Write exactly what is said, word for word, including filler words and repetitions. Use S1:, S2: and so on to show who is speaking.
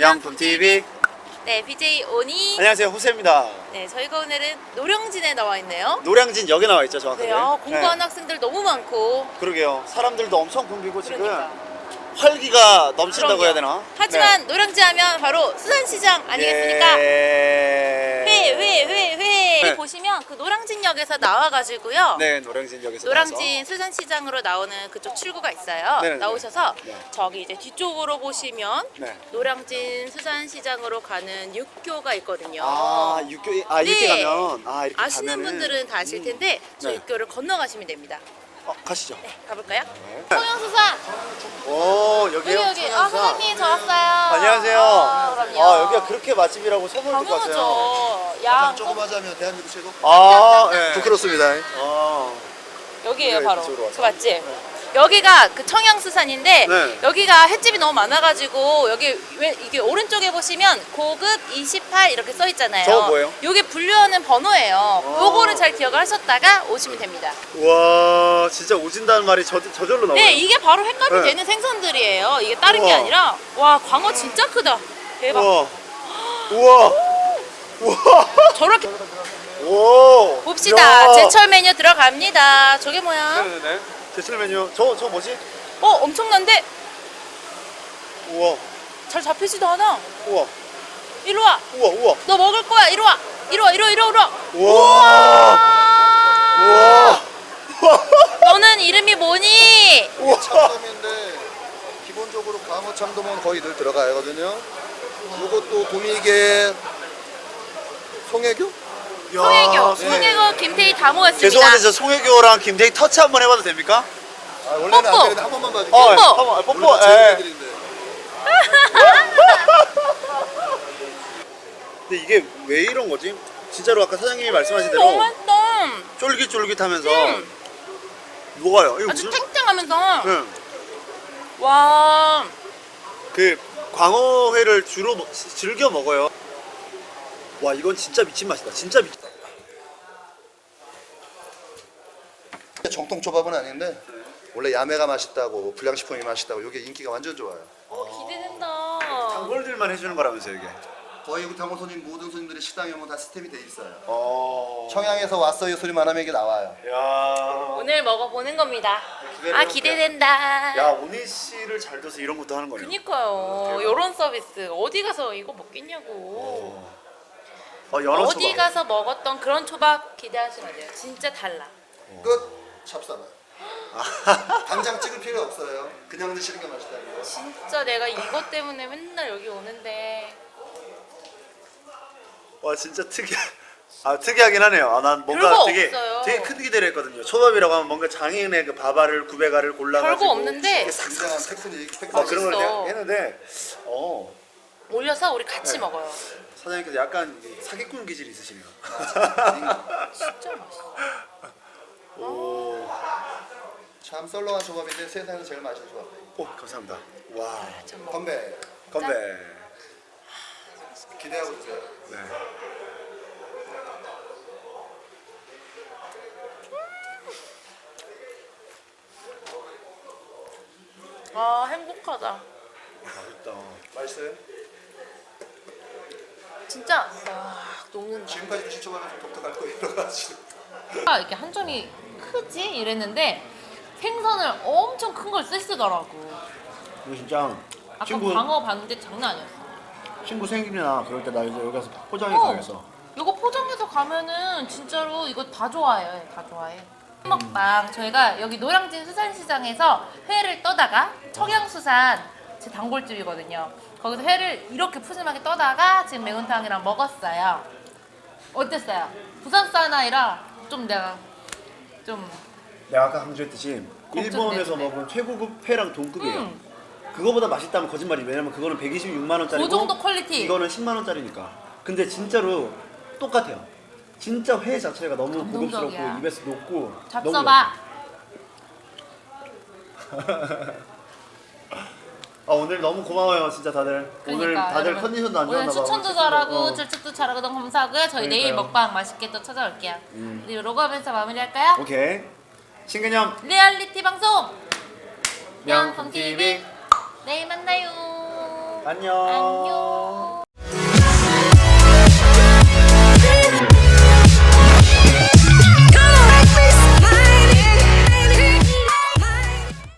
S1: 명품티비.
S2: 네, 비제이 오니.
S1: 안녕하세요, 호세입니다.
S2: 네, 저희가 오늘은 노량진에 나와 있네요.
S1: 노량진 역에 나와 있죠, 정확하게.
S2: 네, 아, 공부하는
S1: 네.
S2: 학생들 너무 많고.
S1: 그러게요. 사람들도 엄청 붐비고
S2: 그러니까.
S1: 지금 활기가 넘친다고
S2: 그럼요.
S1: 해야 되나?
S2: 하지만 노량진 하면 바로 수산시장 아니겠습니까?
S1: 예...
S2: 회, 회, 회, 회.
S1: 네.
S2: 보시면 그 노량진역에서 나와가지고요.
S1: 네, 노량진 역에서
S2: 노량진 수산시장으로 나오는 그쪽 출구가 있어요.
S1: 네네네.
S2: 나오셔서
S1: 네.
S2: 저기 이제 뒤쪽으로 보시면
S1: 네.
S2: 노량진 수산시장으로 가는 육교가 있거든요.
S1: 아, 육교 아 이렇게
S2: 네.
S1: 가면 아 이렇게
S2: 아시는
S1: 가면은...
S2: 분들은 다 아실 텐데 저
S1: 네.
S2: 육교를 건너가시면 됩니다.
S1: 어, 가시죠.
S2: 네, 가볼까요?
S1: 네.
S2: 청양수산
S1: 오, 여기요.
S2: 여기 여기. 아, 사장님 저 왔어요.
S1: 안녕하세요.
S2: 아, 그럼요.
S1: 아, 여기가 그렇게 맛집이라고 소문을 듣고 왔어요.
S2: 당연하죠. 양
S3: 조금 하자면 대한민국 최고?
S1: 아, 예.
S3: 부끄럽습니다.
S1: 아,
S2: 여기에요
S1: 여기가
S2: 바로.
S1: 이쪽으로 왔어요.
S2: 그 맞지? 여기가 그 청양수산인데
S1: 네.
S2: 여기가 횟집이 너무 많아가지고 여기 왜 이게 오른쪽에 보시면 고급 이십팔 이렇게 써 있잖아요.
S1: 저거 뭐예요?
S2: 요게 분류하는 번호예요.
S1: 아.
S2: 요거를 잘 기억을 하셨다가 오시면 됩니다.
S1: 와, 진짜 오진다는 말이 저, 저절로 나와요.
S2: 네, 이게 바로 횟값이
S1: 네.
S2: 되는 생선들이에요. 이게 다른 게
S1: 우와.
S2: 아니라 와 광어 진짜 크다. 대박.
S1: 우와. 우와. 우와.
S2: 저렇게
S1: 오.
S2: 봅시다.
S1: 야.
S2: 제철 메뉴 들어갑니다. 저게 뭐야?
S1: 네네네. 제철 메뉴. 저, 저 뭐지?
S2: 어, 엄청난데?
S1: 우와.
S2: 잘 잡히지도 않아.
S1: 우와.
S2: 이리 와.
S1: 우와. 우와.
S2: 너 먹을 거야. 이리 와. 이리 와. 이리 와. 이리 와. 이리 와.
S1: 우와. 우와.
S2: 너는 이름이 뭐니?
S1: 우와.
S3: 참돔인데 기본적으로 광어 참돔은 거의 늘 들어가거든요. 이것도 도미게 송혜교?
S1: 야,
S2: 송혜교.
S1: 네.
S2: 송혜교, 김태희 다 모였습니다.
S1: 죄송한데 저 송혜교랑 김태희 터치 한번 해봐도 됩니까?
S3: 아, 원래는
S2: 뽀뽀.
S3: 안 되는데 한 번만 봐줄게.
S1: 어,
S2: 뽀뽀.
S1: 한번 아, 뽀뽀.
S3: 원래 제일
S1: 예.
S3: 애들인데.
S1: 근데 이게 왜 이런 거지? 진짜로 아까 사장님이 말씀하신
S2: 너무
S1: 대로
S2: 맛있다.
S1: 쫄깃쫄깃하면서
S2: 음.
S1: 녹아요. 이거
S2: 아주
S1: 무슨?
S2: 탱탱하면서.
S1: 응.
S2: 와.
S1: 그 광어회를 주로 먹- 즐겨 먹어요. 와, 이건 진짜 미친 맛이다. 진짜 미친.
S3: 정통 초밥은 아닌데 원래 야매가 맛있다고 불량식품이 맛있다고 이게 인기가 완전 좋아요.
S2: 어, 기대된다.
S1: 단골들만 해주는 거라면서 이게.
S3: 거의 우리 당골 손님 모든 손님들이 식당에 오면 다 시스템이 돼 있어요.
S1: 어.
S3: 청양에서 왔어요 소리만 하면 이게 나와요.
S1: 야.
S2: 오늘 먹어보는 겁니다.
S1: 기대를
S2: 아,
S1: 해볼게요.
S2: 기대된다.
S1: 야, 오니 씨를 잘 둬서 이런 것도 하는 거네요.
S2: 그니까요. 요런 서비스 어디 가서 이거 먹겠냐고.
S1: 어, 연어
S2: 어디
S1: 초밥.
S2: 가서 먹었던 그런 초밥 기대하시면 돼요. 진짜 달라.
S3: 끝. 찹싸만. 당장 찍을 필요 없어요. 그냥 드시는 게 맛있다는 거.
S2: 진짜 내가 이것 때문에 맨날 여기 오는데.
S1: 와, 진짜 특이. 아, 특이하긴 하네요. 아, 난 뭔가
S2: 별거
S1: 되게
S2: 없어요.
S1: 되게 큰 기대를 했거든요. 초밥이라고 하면 뭔가 장인의 그 밥알을 구배가를 골라가지고
S2: 별거 없는데
S1: 이렇게 싹
S3: 굉장한 테크닉,
S1: 막
S3: 테크닉.
S1: 그런 걸
S2: 맛있어.
S1: 그냥 했는데 어
S2: 올려서 우리 같이
S1: 네.
S2: 먹어요.
S1: 사장님께서 약간 사기꾼 기질이 있으시네요.
S2: 진짜 맛있어.
S1: 오,
S3: 참 썰렁한 조밥인데 세상에서 제일 맛있는 조밥.
S1: 오 감사합니다. 와,
S2: 좀 먹어.
S3: 건배.
S1: 건배.
S3: 기대하고 있어요.
S1: 네.
S2: 아, 행복하다.
S1: 맛있다.
S3: 맛있어요?
S2: 진짜 와, 녹는다.
S3: 지금까지 드신 조밥은 좀 독특할 거예요. 여러 가지.
S2: 아, 이렇게 한 점이 크지? 이랬는데 생선을 엄청 큰 걸 쓰시더라고.
S1: 이거 진짜
S2: 아까
S1: 친구
S2: 광어 봤는데 장난 아니었어.
S1: 친구 생일이나 그럴 때 나 이제 여기 가서 포장해
S2: 어.
S1: 가겠어.
S2: 이거 포장해서 가면은 진짜로 이거 다 좋아해. 다 좋아해. 먹방 저희가 여기 노량진 수산시장에서 회를 떠다가 청양수산 제 단골집이거든요. 거기서 회를 이렇게 푸짐하게 떠다가 지금 매운탕이랑 먹었어요. 어땠어요? 부산 사나이라 좀 내가 좀
S1: 내가 아까 강조했듯이 일본에서
S2: 걱정되는데.
S1: 먹은 최고급 회랑 동급이에요.
S2: 음,
S1: 그거보다 맛있다면 거짓말이. 왜냐면 그거는 백이십육만 원짜리고
S2: 그 정도 퀄리티.
S1: 이거는 십만 원짜리니까. 근데 진짜로 똑같아요. 진짜 회 자체가 너무
S2: 감동적이야.
S1: 고급스럽고 입에서 녹고
S2: 잡숴봐.
S1: 아, 오늘 너무 고마워요 진짜 다들. 오늘
S2: 그러니까,
S1: 다들
S2: 여러분,
S1: 컨디션도 안 좋았나
S2: 오늘
S1: 봐.
S2: 추천도
S1: 오늘
S2: 잘하고
S1: 어.
S2: 질책도 잘하고 너무 감사하고요. 저희 내일
S1: 그러니까요.
S2: 먹방 맛있게 또 찾아올게요.
S1: 음.
S2: 우리 로그하면서 마무리할까요?
S1: 오케이. 신개념
S2: 리얼리티 방송
S1: 명품티비.
S2: 내일 만나요.
S1: 안녕.
S2: 안녕.